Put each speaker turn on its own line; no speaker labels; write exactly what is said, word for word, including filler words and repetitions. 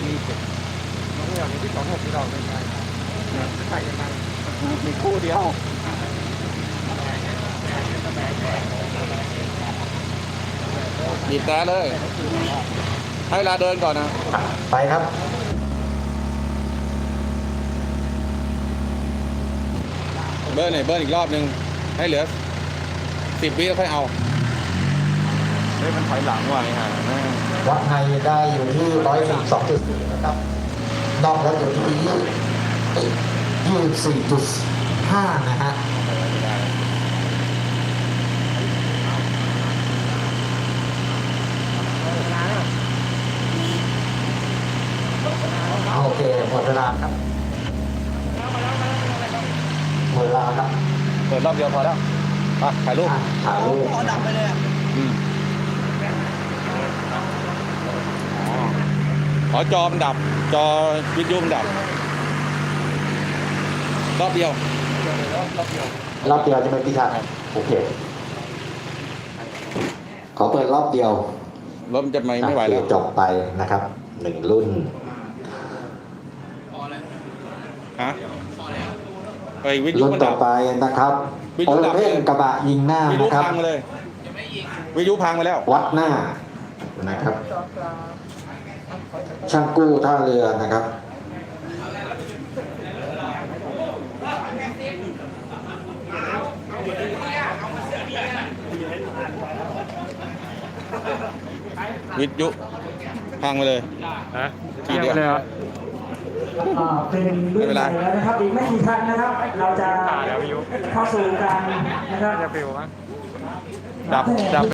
มีเจ็ดน้องอย่างที่สองหกที่เราเป็นไงใส่ยังไงมีคู่เดียว
บีบแต่เลยให้เวลาเดินก่อนนะ
ไปครับ
เบิร์นหน่อยเบิร์นอีกรอบนึงให้เหลือสิบวิแล้วค่อยเอาเฮ้ยมันถอยหลังว่ะไอ้ห่า
วัดในได้อยู่ที่ร้อยสี่สองจุดสี่นะครับนอกแล้วอยู่ที่ยี่สิบสี่จุดห้านะฮะโอเคหมดเวลาครับหมดเวลาครับ
เปิดรอบเดียวพอแล้วอ่ะถ่ายรูป
ถ่ายรูป
พอดับไปเลย
อืมขอจอมดับจอวิทยุมดับรอบเดียว
รอบเดียวจะเป็นพิธาโอเคขอเปิดรอบเดียว
รถมันจะไม่ไม่ไหวแล้ว
จบไปนะครับหนึ่งรุ่น
ฮะไปวิทยุ
รุ่นต่อไปนะครับโอเพ่นกระบะยิงหน้านะครับ
วิทยุพังเลยวิทยุพังไปแล้ว
วัดหน้านะครับช่างกู้ท่าเรือนะครับ
วิทยุพังไปเลย
ฮะทีเดียวเลยเหรอ
เป็นรุ่นใหญ่แล้วนะครับอีกไม่กี่คันนะครับเราจะเข้าสู่การนะครับ
ดับดับ